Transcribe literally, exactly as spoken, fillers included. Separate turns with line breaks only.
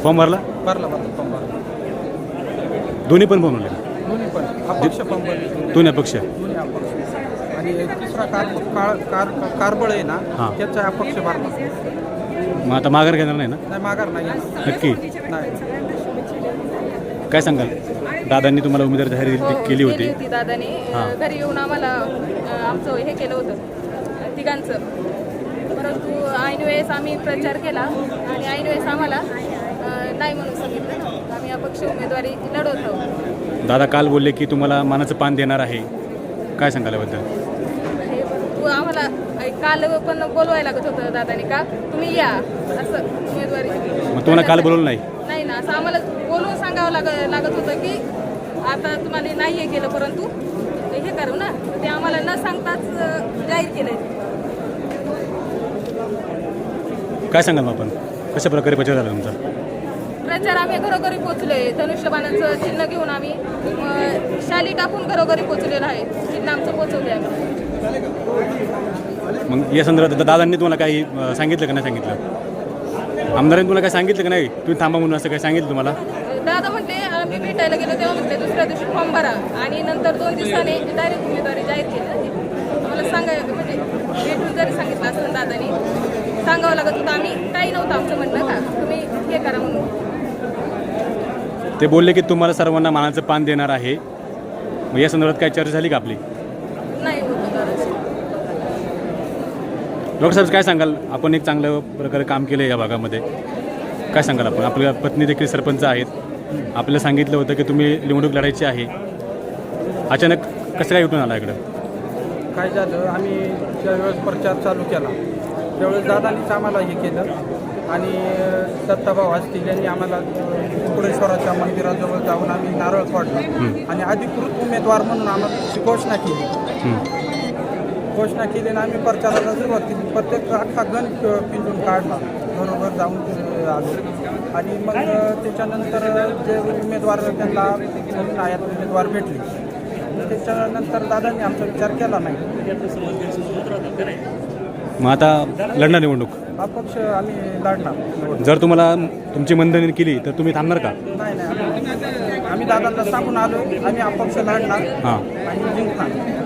Form भरला?
भरला भरला फॉर्म भरला.
दोन्ही पण फॉर्म भरले?
दोन्ही पण अपक्ष फॉर्म भरले.
दोन्ही अपक्ष?
दोन्ही अपक्ष. आणि तिसरा कार कार कार कारबळ आहे ना,
हां.
त्याचा अपक्ष भरला.
मग आता माघार घेणार नाही ना?
नाही माघार नाही येणार.
नक्की?
नाही.
काय सांगाल? दादांनी तुम्हाला उमेदवार जाहीर
हो,
केली होती.
होती दादाने.
हां.
घरी येऊन आम्हाला अ, आमचं हे केलं होतं तिघांचं. परंतु ऐन वेळेस आम्ही प्रचार केला आणि ऐन वेळेस आम्हाला अ, नाही म्हणून सांगितलं ना. आम्ही अपक्ष उमेदवारी लढवत आहोत.
दादा काल बोलले की तुम्हाला मानाचं पान देणार आहे, काय सांगाल याबद्दल?
हे परंतु आम्हाला अ, काल पण बोलवायला लागत होतं दादाने का तुम्ही या असं उमेदवारी.
मग तुम्हाला काल बोलवलं नाही?
नाही ना, असं आम्हाला बोलवून सांगावं लाग लागत होतं की आता तुम्हाला नाही हे केलं परंतु हे करू ना. ते आम्हाला न सांगताच अ, जाहीर केलं.
काय सांगाल मग आपण, कशा प्रकारे प्रचार झाला तुमचा?
प्रचार आम्ही घरोघरी पोचलोय. धनुष्यबाणाचं चिन्ह घेऊन आम्ही अ, शाली टाकून घरोघरी पोचलेलं आहे. चिन्ह आमचं पोचवले आम्ही.
मग या संदर्भात दादांनी तुम्हाला काही अं, सांगितलं का नाही सांगितलं? आमदारांनी तुम्हाला काय सांगितलं का नाही तुम्ही थांबा म्हणून, असं काय सांगितलं तुम्हाला?
दादा म्हटले आम्ही भेटायला गेलो तेव्हा म्हटले दुसऱ्या दिवशी फॉर्म भरा आणि नंतर दोन दिवसाने डायरेक्ट उमेदवारी जाहीर केली. आम्हाला सांगाय म्हणजे भेटून जरी सांगितलं असतं दादानी सांगावं लागत होतं. आम्ही काही नव्हतं आमचं म्हणणं का तुम्ही हे करा म्हणून.
ते बोलले की तुम्हाला सर्वांना मानाचं पान देणार आहे. मग या संदर्भात काय चर्चा झाली का आपली?
नाही होतं दादा.
डॉक्टर साहेब काय सांगाल? आपण एक चांगल्या प्रकारे काम केलं या भागामध्ये, काय सांगाल आपण? आपल्या पत्नी देखील सरपंच आहेत, आपल्याला सांगितलं होतं की तुम्ही निवडणूक लढायची आहे, अचानक कसं काय उठून आला इकडं?
काय झालं, आम्ही ज्यावेळेस प्रचार चालू केला त्यावेळेस दादांनीच आम्हाला हे केलं आणि दत्ताभाऊ असतील यांनी आम्हाला कुकुडेश्वराच्या मंदिराजवळ जाऊन आम्ही नारळ फोडला आणि अधिकृत उमेदवार म्हणून आम्हाला घोषणा केली. घोषणा केली आणि आम्ही प्रचाराला सुरुवात केली. प्रत्येक अख्खा गण पिंजून काढला, बरोबर जाऊन आलो आणि मग त्याच्यानंतर जे उमेदवार त्यांना आयात उमेदवार भेटले त्याच्यानंतर दादांनी आमचा विचार केला नाही.
मग आता लढणार निवडणूक?
अपक्ष आम्ही लढणार.
जर तुम्हाला तुमची मंदणी केली तर तुम्ही थांबणार का?
नाही नाही आम्ही- आम्ही दादांना सांगून आलो आम्ही अपक्ष लढणार
हां.
आणि जिंकणार.